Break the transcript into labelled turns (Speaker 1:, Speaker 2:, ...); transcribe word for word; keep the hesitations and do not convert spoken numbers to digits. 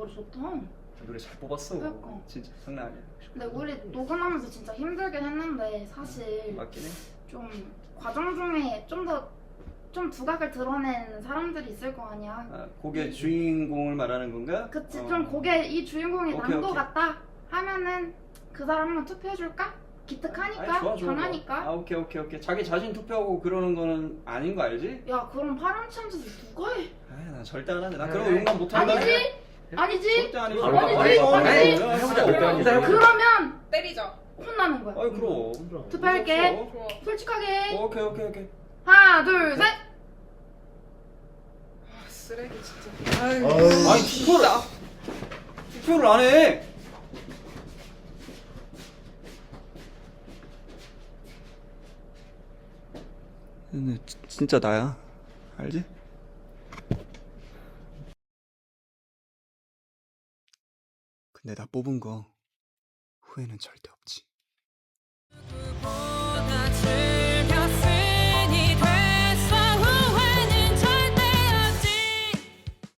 Speaker 1: 노래 좋다.
Speaker 2: 노래 잘 뽑았어.
Speaker 1: 그러니까.
Speaker 2: 진짜 장난 아니야.
Speaker 1: 근데 우리 녹음하면서 진짜 힘들긴 했는데 사실
Speaker 2: 맞긴 해.
Speaker 1: 좀 과정 중에 좀 더 좀 두각을 드러낸 사람들이 있을 거 아니야.
Speaker 2: 아, 곡의 주인공을 말하는 건가?
Speaker 1: 그치.
Speaker 2: 어.
Speaker 1: 좀 곡에 이 주인공이
Speaker 2: 오케이,
Speaker 1: 난 거
Speaker 2: 오케이.
Speaker 1: 같다 하면은 그 사람 한번 투표해줄까? 기특하니까
Speaker 2: 아니, 좋아, 좋아,
Speaker 1: 변하니까.
Speaker 2: 좋아. 아 오케이 오케이 오케이. 자기 자신 투표하고 그러는 거는 아닌 거 알지?
Speaker 1: 야 그럼 파렴치하면서 누가 해?
Speaker 2: 아나 절대 안 하는데. 나
Speaker 3: 그래.
Speaker 2: 그런 거 용납 못 한다.
Speaker 1: 아니지? 아니지?
Speaker 2: 절대 아니지.
Speaker 3: 바로
Speaker 1: 아니지?
Speaker 3: 바로 바로
Speaker 1: 아니지?
Speaker 3: 바로 해보자.
Speaker 2: 그래.
Speaker 3: 일단 해보자.
Speaker 1: 그러면
Speaker 4: 때리자.
Speaker 1: 혼나는 거야.
Speaker 2: 아이 그럼.
Speaker 1: 투표할게.
Speaker 2: 없어.
Speaker 4: 좋아.
Speaker 1: 솔직하게.
Speaker 2: 오케이 오케이 오케이.
Speaker 1: 하나 둘 셋.
Speaker 4: 아, 쓰레기 진짜. 아유.
Speaker 3: 아유.
Speaker 2: 아니 투표를 투표를 안 해. 근데 지- 진짜 나야. 알지? 근데 나 뽑은 거 후회는 절대 없지.